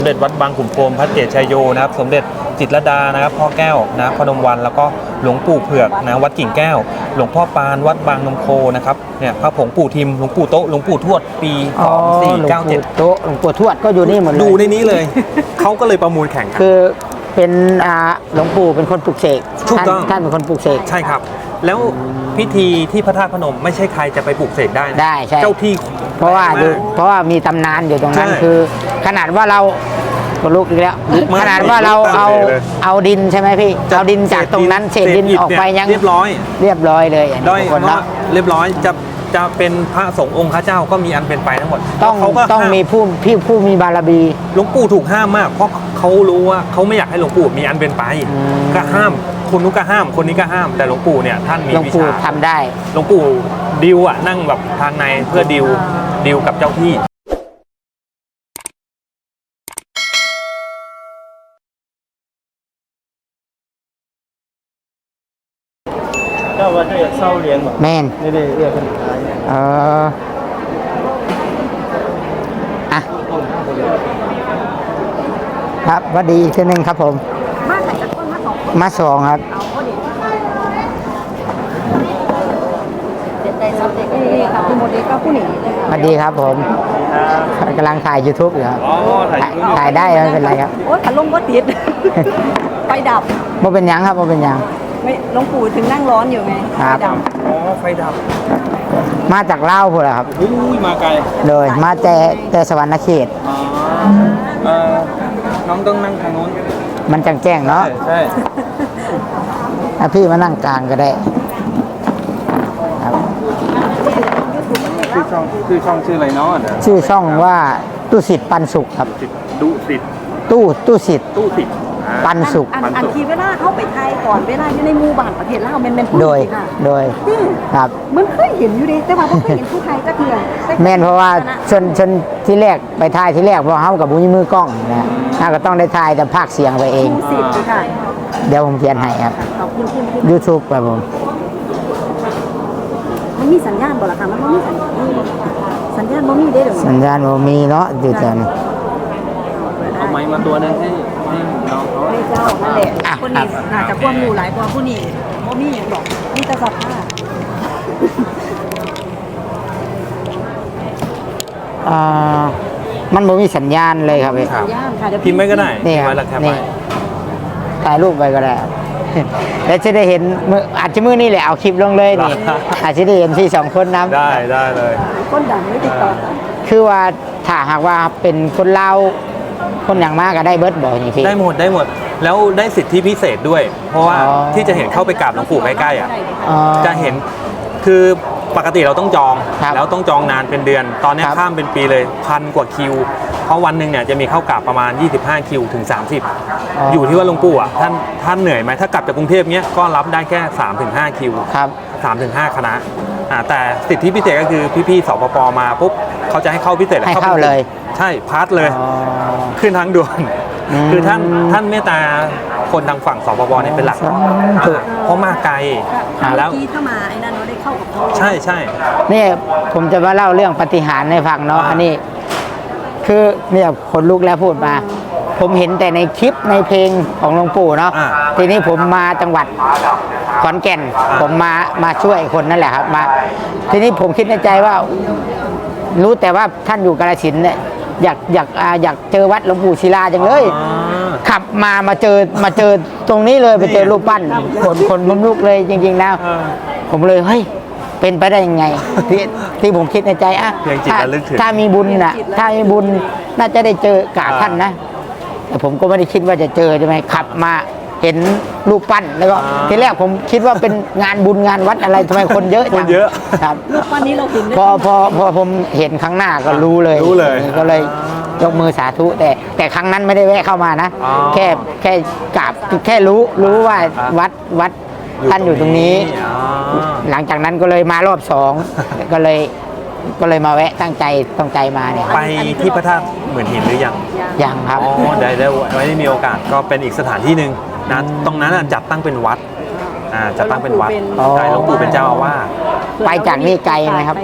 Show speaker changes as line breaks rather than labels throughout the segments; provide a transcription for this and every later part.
สมเด็จวัดบางขุนพรหมพระเกศชัยโยนะครับสมเด็จจิตรลดานะครับพ่อแก้วนะพนมวันแล้วก็หลวงปู่เผือกนะวัดกิ่งแก้วหลวงพ่อปานวัดบางนมโคนะครับเนี่ยพระผงปู่ทิมหลวงปู่โต๊ะหลวงปู่ทวดปี2497
โต๊ะหลวงปู่ทวดก็อยู่นี่หมดเลย
ดูในนี้เลย เขาก็เลยประมูลแข่งกัน
คือเป็นหลวงปู่เป็นคนปลุกเสก
ถูกต้อง
ท่านเป็นคนปลุกเสก
ใช่ครับแล้วพิธีที่พระธาตุพนมไม่ใช่ใครจะไปปลุกเสกได้นะ
ได้ใช่
เจ้าที่
เพราะว่ามีตำนานอยู่ตรงนั้นคือขนาดว่าเราก็ลุกอีกแล้วขนาดว่าเราเอาดินใช่ไหมพี่เอาดินจากตรงนั้นเศษดินออกไปยัง
เรียบร้อย
เลย
ด้อยคนเรียบร้อยจะเป็นพระสงฆ์องค์พระเจ้าก็มีอันเป็นไปทั้งหมด
ต้องมีผู้มีบารมี
หลวงปู่ถูกห้ามมากเพราะเขารู้ว่าเขาไม่อยากให้หลวงปู่มีอันเป็นไปก็ห้ามคนนู้นก็ห้ามคนนี้ก็ห้ามแต่หลวงปู่เนี่ยท่านมีวิชา
ทำได้
หลวงปู่ดิวนั่งแบบทางในเพื่อดิวกับเจ้าที่
เจ้าว่าจะเศร้าเลี้ยงแบบ
แม่น
นี่เรียกเป็นขาย
ครับวัสดีอีกทีนึงครับผม
มาใส่จากต้น
มาสองครับ
เด็ดใจซับเด็กครับคุณโมเดลก็ผู้หนีเลยค่ะ
สวัสดีครับผมกำลังถ่าย YouTube อยู่ครับถ่ายได้ไม่เป็นไรครับ
โอ้ขันลมก็ติดไฟดับ
บ่เป็นยังครับบ่เป็นยัง
ไม่หลวงปู่ถึงนั่งร้อนอยู่ไง
ครับ
ไฟดับ
มาจากเล่าพูดเหรอครับ
มาไกล
เลยมาแต่สวรรณเขต
น้องต้องนั่งทางโน้น
มันจังแจ้งเนาะ
ใช่
พี่มานั่งกลางก็ได้ครับ
ชื่อช่องชื่ออะไรเนาะ
ชื่อช่องว่าตู้สิทธิ์ปันสุขครับ
ตู้สิทธิ์
ตู้สิทธิ์ปันสุข
อันทีเวลาเข้าไปไทยก่อนเวลาอยู่ในหมู่บ้านประเทศลาวเป็นผู้
โดยครับ
มันเคยเห็นอยู่ดิแต่ว่าไม่เคยเห็นผู้ไทยก็เถื่อน
แม่นเพราะว่าชนที่แรกไปถ่ายที่แรกเพราะเขากับบุญมือกล้องนะถ้าก็ต้องได้ถ่ายแต่ภาคเสียงไปเองเดี๋ยวผมเขียนให้ครับ YouTube ครับผม
มันมีสัญญาณบ่ล่ะคะมันไม่มีสัญญาณบ่มีได้หรือ
สัญญาณบ่มีเนาะอยู่แถวนี้
เอาไม้มาตัวนึงให้น้องเขา
ไม่เจ้านั่นแหละคนนี้น่าจะความรู้หลายกว่าผู้นี้บ่มีอย่างหรอกมีแต่สภาพ
มันบ่มีสัญญาณเลยครับ
สัญญาณค่ะเดี๋ยว
พิมพ์ไว้ก็ได้
นี่ครับนี่ถ่ายรูปไปก็ได้แล้วจะได้เห็นอาจจะมือนี่แหละเอาคลิปลงเลยนี่อาจจะได้เห็นที่สองคนนะ
ได้เลย
คนดังไม่ติดต่อ
คือว่าถ้าหากว่าเป็นคนเล่าคนอย่างมากก็ได้เบิร์ดบอกอย่างพี่
ได้หมดแล้วได้สิทธิพิเศษด้วยเพราะว่าที่จะเห็นเข้าไปกราบหลวงปู่ใกล้ๆจะเห็นคือปกติเราต้องจองแล้วต้องจองนานเป็นเดือนตอนนี้ข้ามเป็นปีเลย1,000 กว่าคิวเพราะวันหนึ่งเนี่ยจะมีเข้ากราบประมาณ25คิวถึง30อยู่ที่ว่าหลวงปู่ท่านเหนื่อยไหมถ้ากลับจากกรุงเทพเนี้ยก็รับได้แค่3-5คิว
ครับ
3-5คณะแต่สิทธิพิเศษก็คือพี่ๆสปปมาปุ๊บเขาจะให้เข้าพิเศษ
ให้เข้าเลย
ใช่พาร์ทเลยขึ้นทางด่วนคือท่านเมตตาคนทางฝั่งสปปเนี่ยเป็นหลักเพราะมาไกลแล้ว
ที่ถ้ามาไอ้นั่นเราได้เข้ากับเขา
ใช่
นี่ผมจะมาเล่าเรื่องปาฏิหาริย์ให้ฟังเนาะอันนี้คือเนี่ยคนลุกแล้วพูดมาผมเห็นแต่ในคลิปในเพลงของหลวงปู่เนาะทีนี้ผมมาจังหวัดขอนแก่นผมมาช่วยคนนั่นแหละครับมาทีนี้ผมคิดในใจว่ารู้แต่ว่าท่านอยู่กาฬสินธุ์เนี่ยอยากเจอวัดหลวงปู่ศิลาจังเลยขับมาเจอตรงนี้เลยไปเจอรูปปั้นคนลุกเลยจริงๆนะผมเลยเฮ้ยเป็นไปได้ยังไงที่ผมคิดในใจถ้ามีบุญน่ะถ้ามีบุญน่าจะได้เจอกราบท่านนะแต่ผมก็ไม่ได้คิดว่าจะเจอใช่ไหมขับมาเห็นรูปปั้นแล้วก็ทีแรกผมคิดว่าเป็นงานบุญงานวัดอะไรทำไมคนเยอะจังครับ
รูปปั้นนี้เราถึง
พอผมเห็นครั้งหน้าก็รู้เลยก็เลยยกมือสาธุแต่ครั้งนั้นไม่ได้แวะเข้ามานะแค่กราบแค่รู้ว่าวัดท่านอยู่ตรงนี้หลังจากนั้นก็เลยมารอบ2ก็เลยมาแวะตั้งใจมาเนี่ย
ไปที่พระธาตุหมื่นหินหรือ
ยังครับ
ได้ไว้มีโอกาสก็เป็นอีกสถานที่หนึ่งนะตรงนั้นจัดตั้งเป็นวัดจัดตั้งเป็นวัดใช่หลวงปู่เป็นเจ้าอาวาส
ไปจากนี่ไกลไหมครับ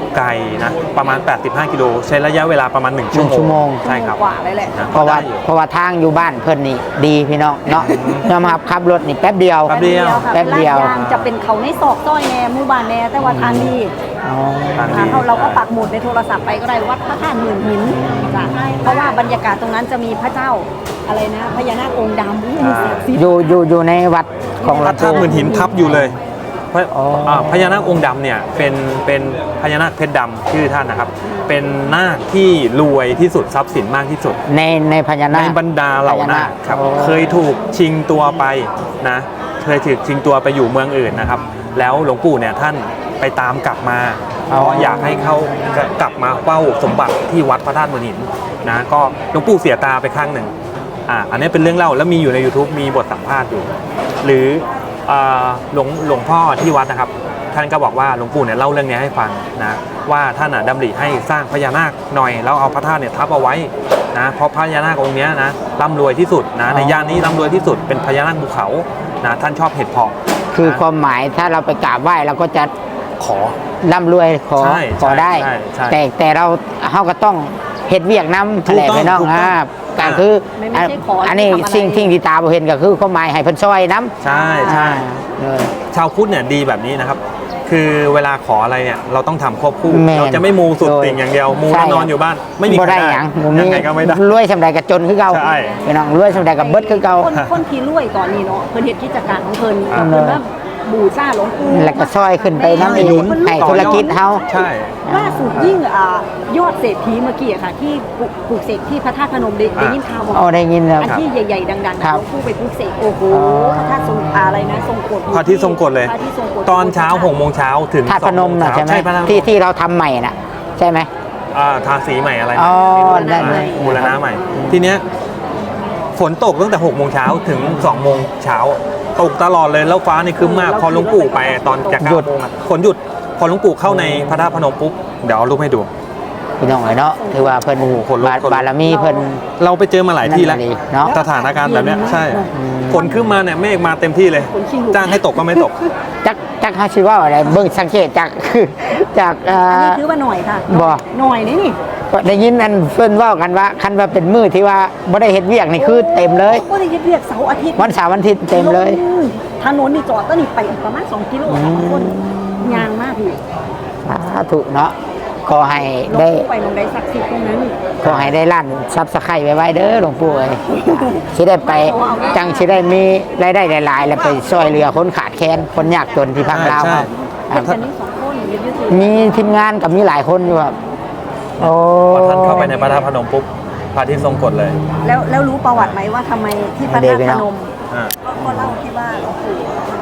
ไกลนะประมาณ 85 กิโลใช้ระยะเวลาประมาณ 1 ชั่ว
ชั่ว
โม
โม
ง
ง
ใช่ครับ
กว่าเลยแหละ
นะ
เพราะว่า
ได้อยู่
เพราะว่าทางอยู่บ้านเพิ่นนี่ดีพี่น้องเนาะยอมรับขับรถนี่แป๊บเดียว
แป๊บเดียว
แป๊บเดียว
ลาดยางจะเป็นเขาในซอกซอยแน่หมู่บ้านแน่แต่ว่าทางดี
อ๋อ
ทางดี
เราก็ปักหมุดในโทรศัพท์ไปก็ได้วัดพระธาตุหมื่นหินจ้ะเพราะว่าบรรยากาศตรงนั้นจะมีพระเจ้าอะไรนะพญานาคองค์ดำอู้มีเสียงซิบ
อยู่ในวัดของ
พระธาตุหมื่นหินทับอยู่เลยพระ
อ๋ออ่
พญานาคองค์ดำเนี่ยเป็นพญานาคเพชรดำชื่อท่านนะครับ เป็นนาคที่รวยที่สุดทรัพย์สินมากที่สุด
ในพญานา
ใน
ค
บรรดาเหล่านาคครับ
โอ้
เคยถูกชิงตัวไปนะเคยถูกชิงตัวไปอยู่เมืองอื่นนะครับ แล้วหลวงปู่เนี่ยท่านไปตามกลับมาเพราะอยากให้เขากลับมาเฝ้าสมบัติที่วัดพระธาตุหมื่นหินนะก็หลวงปู่เสียตาไปข้างหนึ่งอันนี้เป็นเรื่องเล่าแล้วมีอยู่ใน YouTube มีบทสัมภาษณ์อยู่ หรือหลวงพ่อที่วัดนะครับ ท่านก็บอกว่าหลวงปู่เนี่ยเล่าเรื่องนี้ให้ฟังนะว่าท่านดำริให้สร้างพญานาคหน่อยแล้วเอาพระธาตุเนี่ยทับเอาไว้นะเพราะพญานาคองค์เนี้ยนะร่ำรวยที่สุดนะในย่านนี้ร่ำรวยที่สุดเป็นพญานาคภูเขานะท่านชอบเห็ดเพาะ
คือ
นะ
ความหมายถ้าเราไปกราบไหว้เราก็จะ
ขอ
ร่ำรวยขอ
ใช่
ขอได้
ใช่ใช่
แต่เราก็ต้องเฮ็ดเวียกน้ำ
ถูก
แหละ
ต้อง
พี่น้อง
ถูกต้อง
การคือ
ไม่ใช่ขอ
อันนี้
ทำอะไร
สิ่งที่ตาบ่เห็นก็คือความหมายให้เพิ่นช่วยน้ำ
ใช่ใช่
เลย
ชาวพุทธเนี่ยดีแบบนี้นะครับ คือเวลาขออะไรเนี่ยเราต้องทำควบคู่
แม่น
เราจะไม่มูสุด
โดย
ติ่งอย่างเดียวมู
ใช่
แล้วนอนอยู่บ้านไม่มี
บ่
ใคร
ได้
ได้
หยัง
ยังไงก็ไม่ได้
รวยสำใดก็จนคือเก่า
ใช่
พี่น้องรวยสำใดก็เบิดคือเก่า
คนที่รวยตอนนี้เนาะเพิ่นเฮ็ดกิจการของเพิ่น
อ่า
เพิ่นว่าบูชาหลวงปู่
แล้วก็ช่วยขึ้นไปน้ำอีก
หนุน
ให้ธุรกิจเฮา
ใช่
ล่าสุดยิ่งยอดเศรษฐีเมื่อกี้อะค่ะที่ปลูกเสกที่พระธาตุพนมได้ยินข่าวบอก
เอาได้ยินแล้ว
อันที่ใหญ่ๆดังๆ
ครั
นะ
บ
หลวงปู่ไปปลูกเสกโอ้โห
อ๋อ
พระธาตุทรงอะไรนะทรงกฎ
พระที่ทรงกฎเลย
พระที่ทรงกฎ
ตอนเช้า6 โมงเช้าถึง
ธาตุพนม
2
น่ะ
โง
ใช่ไหม
พระธาตุพนม
ที่เราทำใหม่น่ะใช่ไหม
ทาสีใหม่อะไร
อ๋อ
ไม่รู้
ได้
บูรณะใหม่ ทีเนี้ยฝนตกตั้งแต่6 โมงเช้าถึง2 โมงเช้าตกตลอดเลยแล้วฟ้านี่ครึ้มมากพอหลวงปู่ไปตอนจะ
หยุด
9 โมงอะฝนหยุดพอหลวงปู่เข้าในพระธาตุพนมปุ๊บเดี๋ยวเอารูปให้ดู
พี่น้องเนาะถือว่าเพิ่น
โอ้โหขนลุก
บารมีเพิ่น
เราไปเจอมาหลายที่แล้ว
นั่นน่ะดิเนาะ
สถานการณ์แบบเนี้ยใช่
อืม
ฝนขึ้นมาเนี่ยเมฆมาเต็มที่เลย จ้างให้ตกก็ไม่ตก
จักเฮาสิว่าอะไรเบิ่งสังเกตจาก คือจาก
อันนี้ถือว่าหน่อยค่ะ
บ่
หน่อยนี่นี่
ได้ยินอันเพิ่นเว้ากันว่าคันว่าเป็นมื้อที่ว่าบ่ได้เฮ็ดเวียกนี่คือเต็มเลย
ก็ได้เรียกเสาร์อาทิตย์
วันเสาร์วันอาทิตย์เต็มเลย
ถนนนี่จอดก็นี่ไปอีกประมาณ2 กิโลค่ะทุกคนยางมากพี่
สาธุเนาะขอให้
หลวง
ได้
ปู่ไปมองได้ศักดิ์สิทธิ์ตรงนั้น
ขอให้ได้ล้านซับสไครต์ไว้เด้อหลวงปู่เอ้ยสิได้ไปจังสิได้มีรายได้หลายๆ แล้วไปช่วยเหลือคนขาดแคลนคนยากจนที่ภาคลาว
ใช่
ครับ
อันนี้2 คนยูทูบ
มีทีมงานกับมีหลายคนอยู่ครับโอ้
พอท่านเข้าไปในพระธาตุพนมปุ๊บพระอาที่ทรงกฎเลย
แล้วรู้ประวัติไหมว่าทำไมที่พระธาตุพนม
อ่า
ก็เล่าที่ว่าหลวงปู่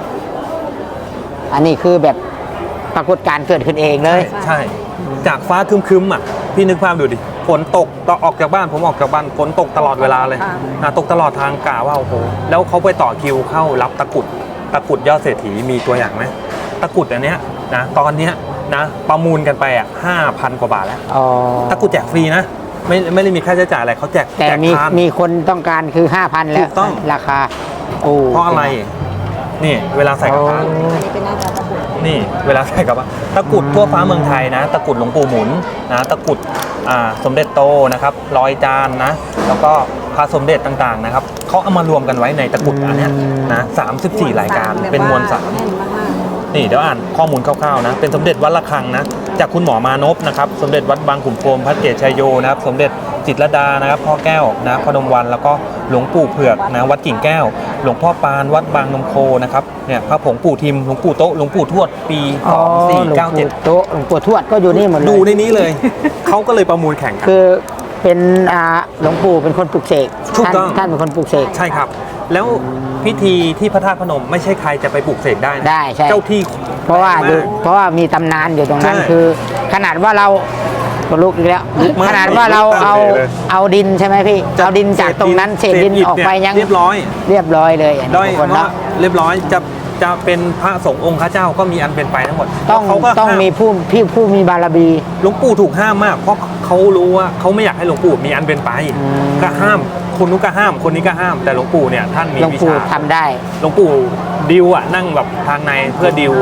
อันนี้คือแบบปรากฏการณ์เกิดขึ้นเองเลย
ใช่ จากฟ้าครึมๆอ่ะพี่นึกภาพดูดิฝนตกตอนออกจากบ้านผมออกจากบ้านฝนตกตลอดเวลาเลยตกตลอดทางกะว่าโอ้โหแล้วเขาไปต่อคิวเข้ารับตะกรุดยอดเศรษฐีมีตัวอย่างไหมตะกรุดอันเนี้ยนะตอนเนี้ยนะประมูลกันไปอ่ะ5,000 กว่าบาทแล้ว
อ๋อ
ตะกรุดแจกฟรีนะไม่ได้มีค่าใช้จ่ายอะไรเขาแจก
แต่
แจก
มี
ทาน
มีคนต้องการคือ 5,000 แล้ว
ถูกต้อง
ราคาโอ้
เพราะอะไรนี่เวลาใส่กับพระ
อันนี้เป็นหน้าตาตะกรุด
นี่เวลาใส่กับว่าตะกรุดทั่วฟ้าเมืองไทยนะตะกรุดหลวงปู่หมุนนะตะกรุดสมเด็จโตนะครับร้อยจานนะแล้วก็พระสมเด็จต่างๆนะครับเขาเอามารวมกันไว้ในตะกรุดอันเนี้ยนะ34 รายการเป็นมวลสาร
แน่นมาก
นี่เดี๋ยวอ่านข้อมูลคร่าวๆนะเป็นสมเด็จวัดระฆังนะจากคุณหมอมานพนะครับสมเด็จวัดบางขุนพรหมพระเกศชัยโยนะครับสมเด็จจิตรลดานะครับพ่อแก้วนะพนมวันแล้วก็หลวงปู่เผือกนะวัดกิ่งแก้ว หลวงพ่อปานวัดบางนมโคนะครับเนี่ยพระผงปู่ทิมหลวงปู่โต๊ะหลวงปู่ทวดปี
อ๋อหลวงปู่
2497
โตะหลวงปู่ทวดก็อยู่นี่หมดเลย
ดูในนี้เลย เขาก็เลยประมูลแข่งกัน
คือเป็นหลวงปู่เป็นคนปลุกเสก
ถูกต้อง
ท่านเป็นคนปลุกเสก
ใช่ครับ แล้วพิธีที่พระธาตุพนมไม่ใช่ใครจะไปปลูกเสกได้นะ
ได้ใช่
เจ้าที่
เพราะว่า
แรงมก
เพราะว่ามีตำนานอยู่ตรงนั้น
ใช่
คือ ขนาดว่าเราก็ลุกอีกแล้ว
ลุกมาก
ขนาดว่าเรา
ลุกตั้ง
เอา
เลย
เอาดินใช่ไหมพี่เอาดินจากตรงนั้นเศษดิน
อิฐ
ออกไป
เนี่
ยัง
เรียบร้อย
เรียบร้อยเลยอันนี้
ด้อย
ทุกคน
เพราะ
เนาะ
เรียบร้อยจะเป็นพระสงฆ์องค์พระเจ้าก็มีอันเป็นไปทั้งหมด
ต้อง
เขาก็
ต้อง
ห้า
มีผู้มีบารมี
หลวงปู่ถูกห้ามมาก เพราะเขารู้ว่าเขาไม่อยากให้หลวงปู่มีอันเป็นไป
อืม
ก็ห้ามคนนู้นก็ห้ามคนนี้ก็ห้าม แต่หลวงปู่เนี่ยท่านมี
หลวง
วิ
ปู่
ชา
ทำได้
หลวงปู่ดิวอ่ะนั่งแบบทางในเพื่อดิว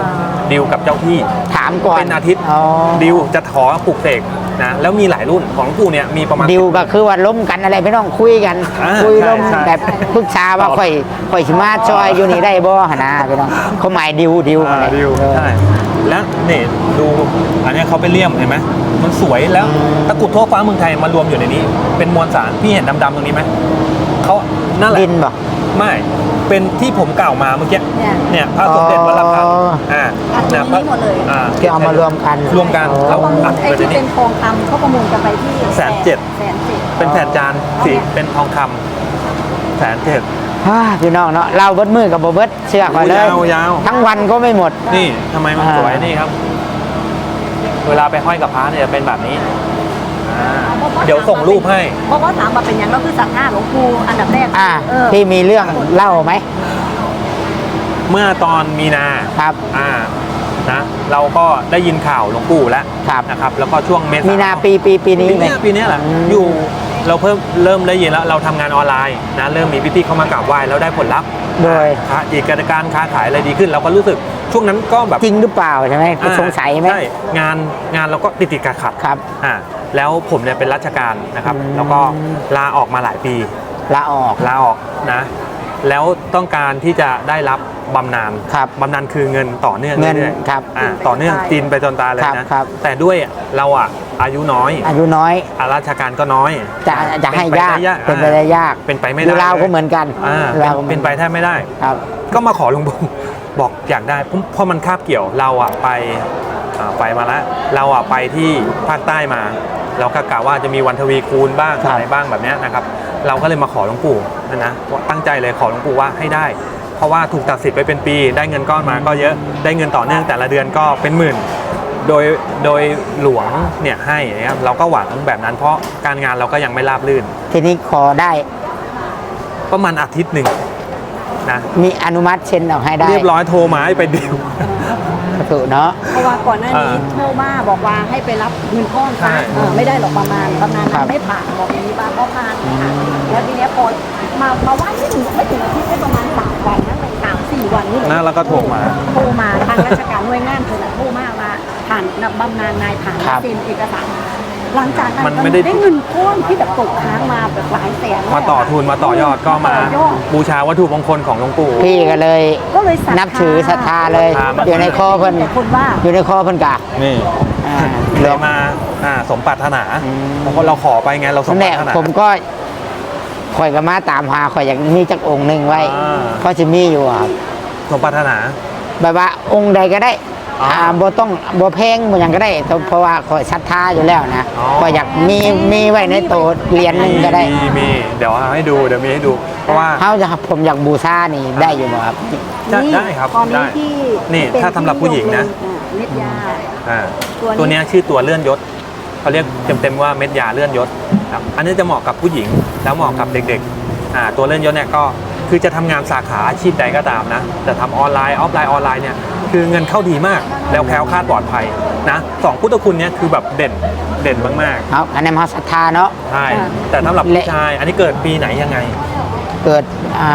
ดิวกับเจ้าที่
ถามก่อน
เป็นอาทิตย์
อ๋อ
ดิวจะขอปลูกเสกนะแล้วมีหลายรุ่นของหลวงปู่เนี่ยมีประมาณ
ดิวก็คือว่าล้มกันอะไรพี่น้องคุยกัน
อ่า
คุย
ใช่
ล้ม
ใช่
แบบปรึกษาว่าข่อยสิมาซอยอยู่นี่ได้บ่หนนะพี่น้องเขาหมายดิวอะไร
ดิว
เออ
ใช่แล้วนี่ดูอันเนี้ยเขาไปเลี่ยมเห็นไหมมันสวยแล้วตะกรุดทั่วฟ้าเมืองไทยมารวมอยู่ในนี้ เป็นมวลสารพี่เห็นดำๆตรงนี้ไหมเขานั่นแหละ
ดินบ่
ไม่เป็นที่ผมกล่าวมาเมื่อกี้ เนี่ยพระสมเด็จวัดละพัง
อ๋อ
อัดอยู่ในนี้หมดเลย
ที่เอามารวมกัน
รวมกัน
อ๋อ
แล้ว
ประมูล
อัด
ไอ้
ไปใน
ที่
นี้
เป็นทองคำเขาประมูลกันไปที่
170,000
170,000
เป็นแผ่นจานสีเป็นทองคำ107,000
พี่น้องเนาะเราเบิดมือกับบ่เบิดเชื่อก่อนเลย
ยาว
ทั้งวันก็ไม่หมด
นี่ทำไมมัน
อ่า
สวยนี่ครับ เวลาไปห้อยกับพระเนี่ยจะเป็นแบบนี้เดี๋ยวส่งรูปให้
เพราะว่าถามมาเป็นอย่างเราคือศรัทธาหลวงปู่อันดับแรก
ที่มีเรื่องเล่าไหม
เมื่อตอนมีนา
ครับ
นะเราก็ได้ยินข่าวหลวงปู่แล้ว
ครับ
นะครับ แล้วก็ช่วงเมษา
มีนาปีนี้ไหม
ปีเนี้ยแหละ
อืม
อยู่เราเริ่มได้ยินแล้วเราทำงานออนไลน์นะเริ่มมีพี่ๆเข้ามากราบไหว้แล้วได้ผลลัพธ์
โดย
อีกการค้าขายอะไรดีขึ้น เราก็รู้สึกช่วงนั้นก็แบบ
จริงหรือเปล่าใช่ไหมสงสัยไหม
ใช่งานเราก็ติดขัด
ครับ
แล้วผมเนี่ยเป็นราชการนะครับ แล้วก็ลาออกมาหลายปี
ลาออก
นะแล้วต้องการที่จะได้รับบำนาญ
ครับ
บำนาญคือเงินต่อเนื่อง
เงิน
รื่อยๆ
ครับ
ต่อเนื่องกินไปจนตายเลย
ครับ
นะครับ แต่ด้วยเราอายุน้อย
อายุน้อย
ราชการก็น้อย
จะให้ยาก เป็นไปได้ยาก
เป็นไปไม่
อ
ได้
ยู่ลาวก็เหมือนกัน ลาวก็
เป็นไปแทบไม่ได้
ครับ
ก็มาขอหลวงปู่ บอกอยากได้เพราะมันคาบเกี่ยวเราไปมาแล้วเราไปที่ภาคใต้มา เราก็กะว่าจะมีวันทวีคูณบ้าง
ครับ
อะไรบ้างแบบเนี้ยนะครับ เราก็เลยมาขอหลวงปู่นะตั้งใจเลยขอหลวงปู่ว่าให้ได้ เพราะว่าถูกตัดสิทธิ์ไปเป็นปี ได้เงินก้อนมาก็เยอะได้เงินต่อเนื่องแต่ละเดือนก็เป็นหมื่น โดยหลวงเนี่ยให้นะครับเราก็หวังแบบนั้นเพราะการงานเราก็ยังไม่ราบรื่น
ทีนี้ขอได้
ประมาณอาทิตย์หนึ่งนะ
มีอนุมัติเซ็นออกให้ได้
เรียบร้อยโทรมาให้ไปดิว
ถูกเนาะ
เพราะว่าก่อนหน้านี้โทรมาบอกว่าให้ไปรับเงินก้อน
ใช่
ซะไม่ได้หรอกประมาณ
ครับ
นั้นไม่ผ่านบอกอย่างนี้บ้างก็ผ่านค่ะแล้วทีเนี้ยพอมาว่าไม่ถึงอาทิตย์ได้ประมาณ3 วันนั่นเลย3-4 วันนี่เลย
นะแล้วก็โทรมา
ทางราชการหน่วยงานคนละโทรมาผ่านบำนาญนายผ่าน
ครับ
เซ็นเอกสารหลังจากนั้น
มันไม่ได้
เงินก้อนที่แบบตกค้างมาแบบหลายแสน
มาต่อทุนมาต่อยอดก็มา
ต่อยอด
บูชาวัตถุมงคลของหลวงปู่
พี่ก็เลย
ก็เลยศรัทธา
นับถือศรัทธาเลย
ศรัทธามาก
อยู่ในคอเพิ่น
แต่คนว่า
อยู่ในคอเพิ่นกะ
นี่
หล
เล
วย ง
มาสมปรารถนาบางคนเราขอไปไงเราสม
นั่น
ป
แห
รา
ละ
รถนา
ผมก็ข่อยก็มาตามหาข่อยอยากมีจักองค์หนึ่งไว้
อ่า
เพราะจะมีอยู่ครับ
สมปรารถนา
แบบว่าองค์ใดก็ได้
อ๋อ
บ่ต้องบ่แพงบ่หยังก็ได้เพราะว่าข่อยศรัทธาอยู่แล้วนะ
อ๋อ
ก็อยากมีไว้ในโตะเหรียญหนึงก็ได้
มีเดี๋ยวให้ดูเดี๋ยวมีให้ดู เพราะว่า
เฮาจะผมอยากบูชานี่ได้อยู่บ่ครับ
ได้ครับ
ตอนนี้
ได้
ที่
นี่
เป็น
ถ้าสำหรับผู้หญิงนะ
เม็ดยา
อ่า
ตัวนี้
ตัวเนี้ยชื่อตัวเลื่อนยศเขาเรียกเต็มๆว่าเม็ดยาเลื่อนยศครับอันนี้จะเหมาะกับผู้หญิงแล้วเหมาะกับเด็กๆตัวเลื่อนยศเนี่ยก็คือจะทำงานสาขาอาชีพใดก็ตามนะแต่ทำออนไลน์ออฟไลน์เนี่ยคือเงินเข้าดีมากแล้วแคล้วคลาดปลอดภัยนะสองพุทธคุณเนี่ยคือแบบเด่นมาก
ครับอันนั้นเฮาศรัทธาเนาะ
ๆใช่แต่สำหรับผู้ชายอันนี้เกิดปีไหนยังไง
เกิด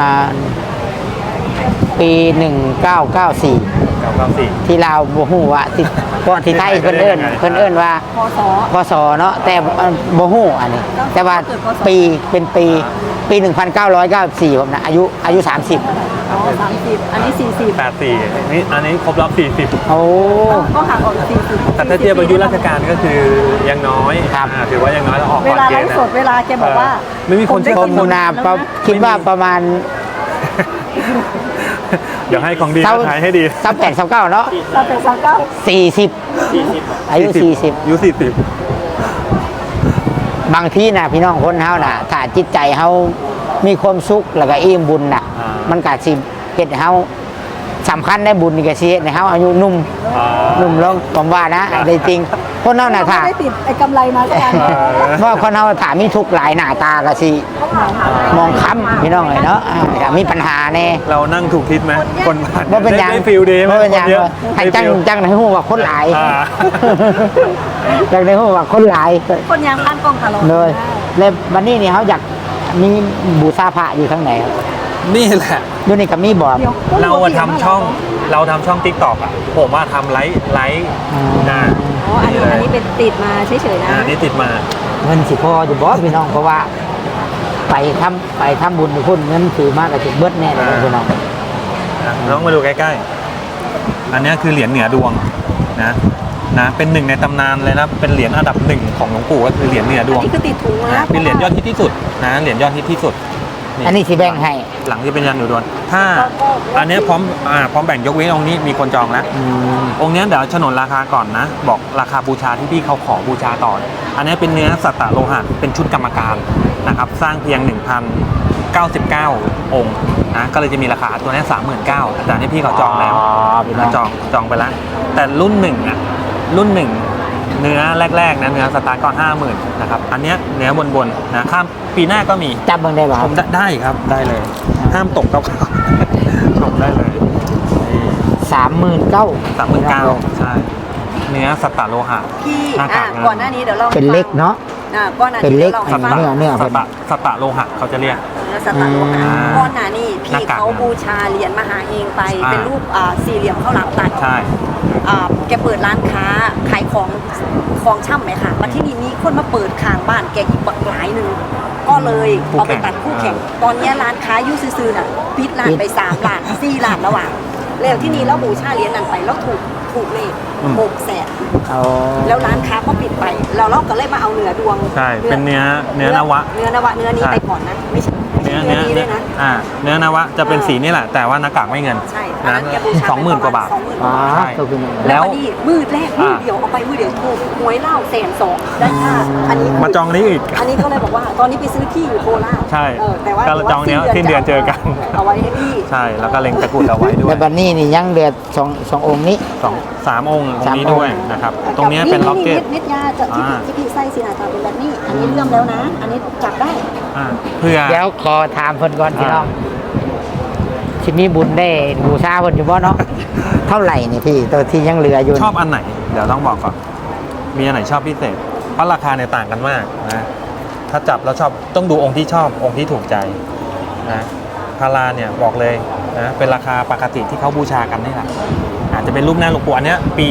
ปี 1994
994
ที่ลาวบ่ฮู้ว่าที่ก่อนที่ไทยเพิ่นเอิ้นว่า
พศ
พศเนาะแต่บ่ฮู้อันนี้ แต่ว่าปีเป็นปี 1994ผมนะอายุ 30
อ๋อ30 อันนี้ 40
84นี่อันนี้ครบรอบ40
โอ้
ก็ห่างออก40
แต่ถ้าเทียบอายุราชการก็คือยังน้อย
ครับ
ถือว่ายังน้อยแล้วออก
เว
ก่อน
ลา
เก
ไล
ณฑ์
ฟ์
นะ
สดเวลาแกบอกว่า
ไม่มีคนเชื่อ
ผมนาคิดว่าประมาณ
เดี๋ยวให้ของดีมาทายให้ดี
28 29เนาะ
เราเป็นสังเก้า
40 อายุ 40
อายุ40
บางทีนะพี่น้องคนเฮาน่ะถ้าจิตใจเฮามีความสุขแล้วก็อิ่มบุญน่ะ มันก็สิเฮ็ดให้เฮาสำคัญได้บุญนี่ก็สิเฮ็ดให้เฮาอายุหนุ่มลงผมว่านะได้จริงคนเฮาน่ะ
ไม่
ค่ะ
ได้ติดไอ้กำไรมาสักอัน
เพราะคนเฮาถ้ามีทุกข์หลายหน้าตาก็สิมองค้ำพี่น้องเอ้ยเนาะถ้ามีปัญหาแน่
เรานั่งถูกทิศไหมคนผ่าน
บ่เป็นหยัง
ได้ฟิลดีไหม
บ่เป็นหยัง
คนเยอะ
ให้จัง
ได้ฟิล
จังให้ฮู้ว่าคนหลาย
อ่า
จังให้ฮู้ว่าคนหลาย
คนยังพันกล้องตลอด
เลยแล้ววันนี้นี่เขาอยากมีบูชาพระอยู่ทั้งไหนครับ
นี่แหละ
อยู่นี่กับมีบ่อ
เดี๋ยว
เราทำช่องเราทำช่อง TikTok อ่ะผมว่าทำไลฟ์นะ
อ๋ออันนี้เป็นติดมาเฉยๆนะ
นี่ติดมา
เงินสิพออยู่บ่พี่น้องเพราะว่า ไปทำบุญไปพุ่นเงินถือมากกับถึงเบิดแน่เลยพี่น้อง
น้องมาดูใกล้ๆอันนี้คือเหรียญเหนือดวงนะเป็นหนึ่งในตำนานเลยนะเป็นเหรียญอันดับหนึ่งของหลวงปู่ก็คือเหรียญเหนือดวง
นี่คือติดถุงนะ
เป็นเหรียญยอดฮิตที่สุดนะเหรียญยอดฮิตที่สุด
อันนี้สิแบ่งให้
หลังที่เป็นยันหนูดวนถ้าอันนี้พร้อมแบ่งยกเว้นองค์นี้มีคนจองแล้วองค์นี้เดี๋ยวฉนนราคาก่อนนะ บอกราคาบูชาที่พี่เขาขอบูชาต่ออันนี้เป็นเนื้อสัตตโลหะเป็นชุดกรรมการนะครับสร้างเพียง 1,099 องค์นะก็เลยจะมีราคาตัวนี้ 39,000แต่นี่พี่เขาจองแล้วจองไปแล้วแต่รุ่นหนึ่งอ่ะรุ่นหนึ่งเนื้อแรกๆนะเนื้อสตาร์ทก็ 50,000นะครับอันเนี้ยเนื้อบนๆนะข้ามปีหน้าก็มี
จับเบิ่งได้บ่ค
ผ
รับ
มได้ครับได้เลย ห้ามตกครับชมได้เลย
39,000
39,000ใช่เนื้อสัตตโลหะ
พี่
หน้ากาก
ก่อนหน้านี้เดี๋ยวเรา
เป็นเล็กเนาะ
ก่อนหน้า
เป็น
นี้
เล็ก
เรา
สั
ให้
ต
ฟัง
ต
เนื้อ
สัตตโลหะเขาจะเรียก
เนื้อสัตตโลหะ
อ่า
ก่อนหน้านี้
ห
พี่
น้ากาก
เขาบูชาเหรียญมหาเฮงไป เป็นรูปสี่เหลี่ยมข้าวหลามตัด
ใช่
แกเปิดร้านค้าขายของช่ำไหมค่ะมาที่นี่มีคนมาเปิดข้างบ้านแกอีกบักหลายหนึ่งก็เลยเอาไปตัดคู่แข่งตอนนี้ร้านค้ายุ่ซื่อๆน่ะปิดร้านไป3 ล้าน4 ล้านแล้วอ่ะแล้วที่นี่แล้วบูชาเหรียญนั้นไปแล้วถูกเลข600,000
เอา
แล้วร้านค้าก็ปิดไปเราก็เลยมาเอาเนื้อดวง
ใช่เป็นเนื้อนวะ
เนื้อนวะเนื้อนี้
ใช่
ไปก่อนนะไม่ใช่เนื้อนี้ด้วยนะ
เนื้อนวะจะเป็นสีนี่แหละแต่ว่าหน้ากากไม่เงิน
ใช่อัน
นะ
นั้นแกบูชา
20,000 กว่าบาท
อ๋อ
ใช่
ตัวคือ
แล้ว นี่มืดแรกมืดเดียวเอาไปมืดเดียวถูกหวยเล่า120,000ได้ค่าอันนี้
มาจองนี้อีก
อันนี้ก็เลยบอกว่าตอนนี้ไปซื้อที่อยู่โคราช
ใช่
แต่ว่า
ก็จองเนี้ยสิ้นเดือนเจอกัน
เอาไว้ให้พี่
ใช่แล้วก็เล็งตะกรุดเอาไว้ด้ว
แต่
ย
บัดนี้นี่ยังเหลือสององค์นี้
3 องค์ตรงนี้
3
ด้วยนะครับตรงเนี้ยเป็นล็อกเก็ต
เม็ดยาจะที่พี่ไส้สีนาตาเป็นแบบนี้ อันนี้เลื่อมแล้วนะ อันนี้จับได้
เพื่อ
เดี๋ยวขอถามเพิ่นก่อนพี่น้องสิมีบุญได้บูชาเพิ่นอยู่บ่เนาะ เท่าไหร่นี่พี่ตัวที่ยังเหลืออยู่
ชอบอันไหน เดี๋ยวต้องบอกก่อน มีอันไหนชอบพิเศษ เพราะราคาเนี่ยต่างกันมากนะ ถ้าจับแล้วชอบต้องดูองค์ที่ชอบองค์ที่ถูกใจนะพาราเนี่ยบอกเลยนะเป็นราคาปกติที่เขาบูชากันนี่แหละอาจจะเป็นรูปหน้าหลวงปู่อันเนี้ยปี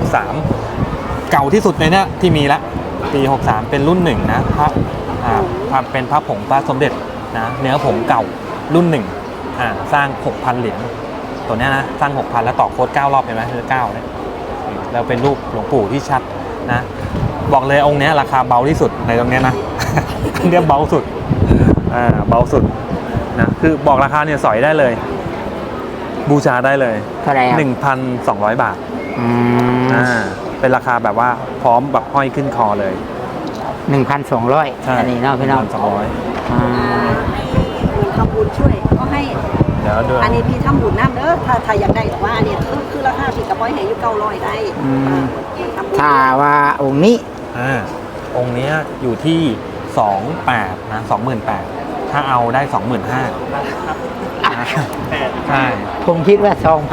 63 เก่าที่สุดในเนี้ยที่มีละปี 63 เป็นรุ่นหนึ่งนะพระเป็นพระผงพระสมเด็จนะเนื้อผงเก่ารุ่นหนึ่งสร้าง 6,000 เหรียญตัวเนี้ยนะสร้าง 6,000 แล้วต่อโค้ด9 รอบเห็นไหมคือ9เนี่ยแล้วเป็นรูปหลวงปู่ที่ชัดนะบอกเลยองค์เนี้ยราคาเบาที่สุดในตรงเนี้ยนะ เรียกเบาสุดเบาสุดนะคือบอกราคาเนี่ยสอยได้เลย บูชาได้เลย
เท่าไหร่ครับ
1,200 บาท
อืม
เป็นราคาแบบว่าพร้อมแบบห้อยขึ้นคอเลย
1,200
ใช่
อันนี้เนาะพี่น้อง
1,200
อ่า
เหมือนทำบุญช่วยก็ให้
เดี๋ยวดู
อันนี้พี่ทำบุญน้ำเด้อถ้าอยากได้แต่ว่าอันนี้คือราคาพี่กระป๋อยให้อยู่900ได้ทำบุญ
ถ้าว่าองค์นี้
องค์เนี้ยอยู่ที่ 28,000นะ28,000ถ้าเอาได้ 25,000ใช่
ผมคิดว่า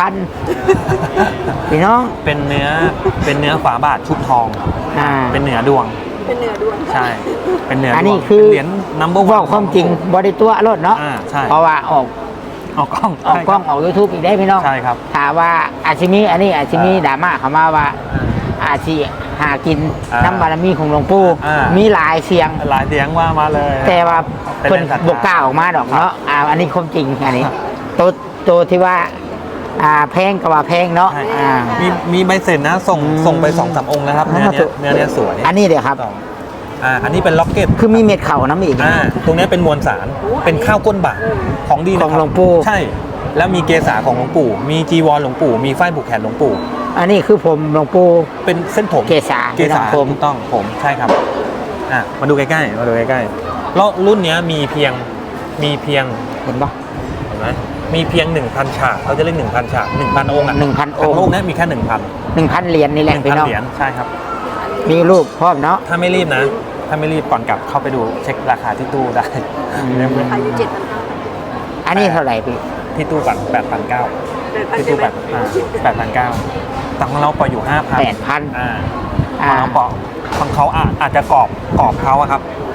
2,000 พี่น้อง
เป็นเนื้อฝาบาทชุบทอง เป็นเหนือดวง
เป็นเนื้อด้วน
ใช่ เป็นเหนือดวง
อันนี้คือ
เป็นเหรียญนัมเบอร์
ว่าความจริงบริตัวรถเนาะ
ใช่
เพราะว่าออก
เอากล้อง
ออกกล้องออก YouTube อีกได้พี่น้อง
ใช่ครับ
ถามว่าอาชิมิอันนี้อาชิมิดราม่าเขามาว่าอาชีหากินน้ำบารมีของหลวงปู่มีหลายเสียง
หลายเสียงว่ามาเลย
แต่ว่า
เป็น
เพิ่น
ศรัทธา
บกกล้าออกมาดอกเนาะอันนี้ความจริงอันนี้ตัวที่ว่าแพงก็ว่าแพงเนาะ
ใช่มีใบเสร็จนะส่งไป 2-3 องค์แล้วครับเนื้อเนี้ยสวย
อันนี้เดี๋ยวครับ
อันนี้เป็นล็อกเก็ต
คือมีเม็ดเข่าน้ำอีก
ตรงเนี้ยเป็นมวลสารเป็นข้าวก้นบาทของดีนะ
ของ
ครับ
หลวงปู่
ใช่ แล้วมีเกศาของหลวงปู่ มีจีวรหลวงปู่ มีฝ้ายผูกแขนหลวงปู่
อันนี้คือผมหลวงปู่
เป็นเส้นผม
เกศา
เกศา
ผม
ถูกต้องผมใช่ครับมาดูใกล้ๆแล้วรุ่นเนี้ยมีเพียง
เห็นปะ
เห็นไหมมีเพียง 1,000 ฉากเขาจะเรียก 1,000 ฉาก 1,000 องค์อ่ะ
1,000 องค์
โลกนี้มีแค่ 1,000
1,000 เหรียญนี่แหละพี่น้อง
เหรียญใช่ครับ
มีรูปพร้อมเนาะ
ถ้าไม่รีบนะ ถ้าไม่รีบก่อนกลับเข้าไปดูเช็คราคาที่ตู้ได้
อายุ7,500
อันนี้เท่าไหร่พี่
ที่ตู้ก่อน8,900ที่ตู้8,900แต่ของเราปล่อยอยู่ 5,000
8,000
ของเราปล่อยของเขาอาจจะกรอบเขาอะครับ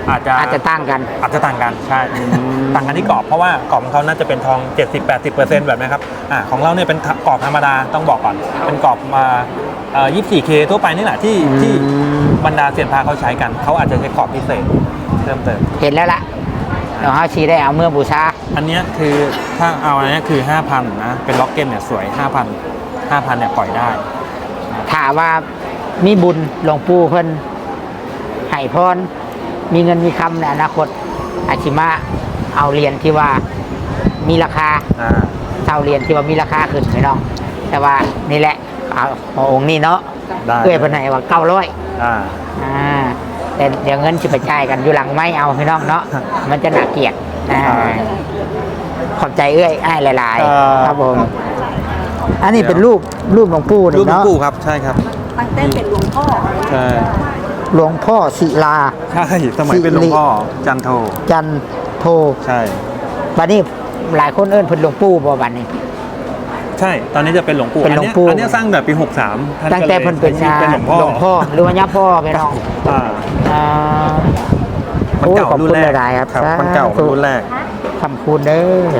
อาจจะต่างกัน
อาจจะต่างกันใช่ต่างกันที่กรอบเพราะว่ากรอบของเขาน่าจะเป็นทอง 70-80% แบบนี้ครับของเราเนี่ยเป็นกรอบธรรมดาต้องบอกก่อนเป็นกรอบมา 24K ทั่วไปนี่แหละที่บรรดาเซียนพาเขาใช้กันเขาอาจจะใช้กรอบพิเศษเพิ่มเติม
เห็นแล้วล่ะเดี๋ยวเขาชี้ได้เอาเมื่อบูชา
อันเนี้ยคือถ้าเอาอันเนี้ยคือ 5,000 นะเป็นล็อกเก็ตเนี่ยสวย 5,000เนี่ยปล่อยได้
ถามว่ามีบุญหลวงปู่เพิ่นให้พรมีเงินมีคำในอนาคตอาชิมาเอาเหรียญที่ว่ามีราคาเท่าเหรียญที่ว่ามีราคาขึ้นไหมน้องแต่ว่านี่แหละเอาองค์นี้เนาะ
ได้
เอ้ยเพิ่นให้ว่า900แต่เดี๋ยวเงินจะไปจ่ายกันอยู่หลังไม่เอาพี่น้องเนาะมันจะน่าเกลียดขอบใจเอ้ยอ้ายหลายๆครับผมอันนี้เป็นรูปหลวงปู่
รูปหลวง
เนาะ
ปู่ครับใช่ครับ
ตั้งแต่เป็นหลวงพ่อ
ใช่
หลวงพ่อศิลา
ใช่สมัยเป็นหลวงพ่อจันโท
จันโท
ใช่
บัดนี้หลายคนเอิ้นเพิ่นหลวงปู่บ่บัดนี้
ใช่ตอนนี้จะเป็นหลวงปู่
เป็นหลวงปู่
อันเนี้ยสร้างแบบปี 63ท่าน
ตั้ง
ก็
แต่
เลย
เพิ่นเป็น
ใช้ชื่อเป็นหลวงพ่อ
หรือว่าย่าพ่อไปน้อง
อ่า
อ่า
มันเก่า
โอ้ยขอบ
รุ่
คุ
น
ณ
แรก
หลายๆครับ
มันเก่ารุ่นแรก
คำคูณเด้อ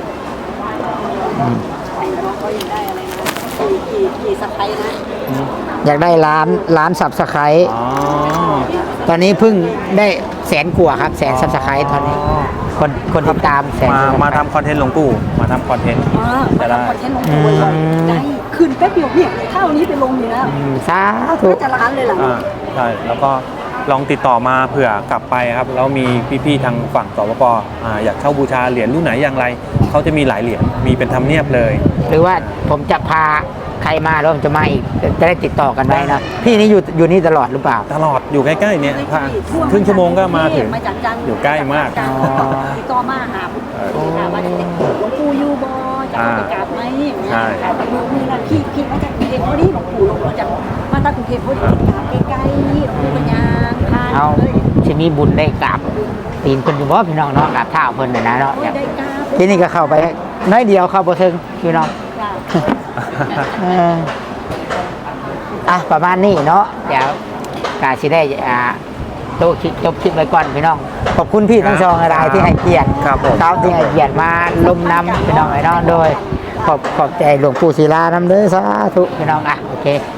เขายังได้อะไรนะกี่สไปนะ
อยากได้ล้านสับสไครต์
อ๋อ
ตอนนี้เพิ่งได้100,000 กว่าครับ100,000 ซับสไครต์ตอนนี้ คนติดตามแสน
มาทำคอนเทนต์หลวงปู่มาทำคอนเทนต์
มาทำคอนเทนต์ลงตัวเลยได้คืนแป๊บเดียวเนี่ยเท่านี้ไปลงอยู่แล้ว
สาธุ
ก็จะล้านเลยเหรอ
ใช่แล้วก็ลองติดต่อมาเผื่อกลับไปครับแล้วมีพี่ๆทางฝั่งสปปอยากเช่าบูชาเหรียญรุ่นไหนอย่างไรเขาจะมีหลายเหรียญมีเป็นธรรมเนียบเลย
หรือว่าผมจะพาใครมาแล้วผมจะมาอีกจะได้ติดต่อกันไว้นะพี่นี่อยู่นี่ตลอดหรือเปล่า
ตลอดอยู่ใกล้ๆเนี่ยครึ่งชั่วโมงก็มาถึง
มาจากจันทร์
อยู่ใกล้มาก
ติดต่อมาหาถามว่าหลวงปู่ยูบอจะเอาไปกราบไหมอย่างเงี้ยมือนั้นพี่มาจากกรุงเทพพอดีหลวงปู่ลงมาจากมาจากกรุงเทพพอดีกราบใกล้ๆหลวงปู่ปัญญาพา
เอา
เลย
จะมีบุญได้กราบตีนเพิ่นอยู่บ่พี่น้องเนาะกราบเท้าเพิ่นน่ะนะเนาะ
ได้กราบ
ที่นี่ก็เข้าไปน้อยเดียวเข้าบ่ถึงพี่น้องเออประมาณนี้เนาะเดี๋ยวกาสิได้โตคลิปจบคลิปไว้ก่อนพี่น้องขอบคุณพี่ทั้งสองรายที่ให้เกียรติ
ครับผม
เขาที่ให้เกียรติมาลมน้ำพี่น้องไอ้น้องโดยขอบใจหลวงปู่ศิลาน้ำเด้อสาธุพี่น้องโอเค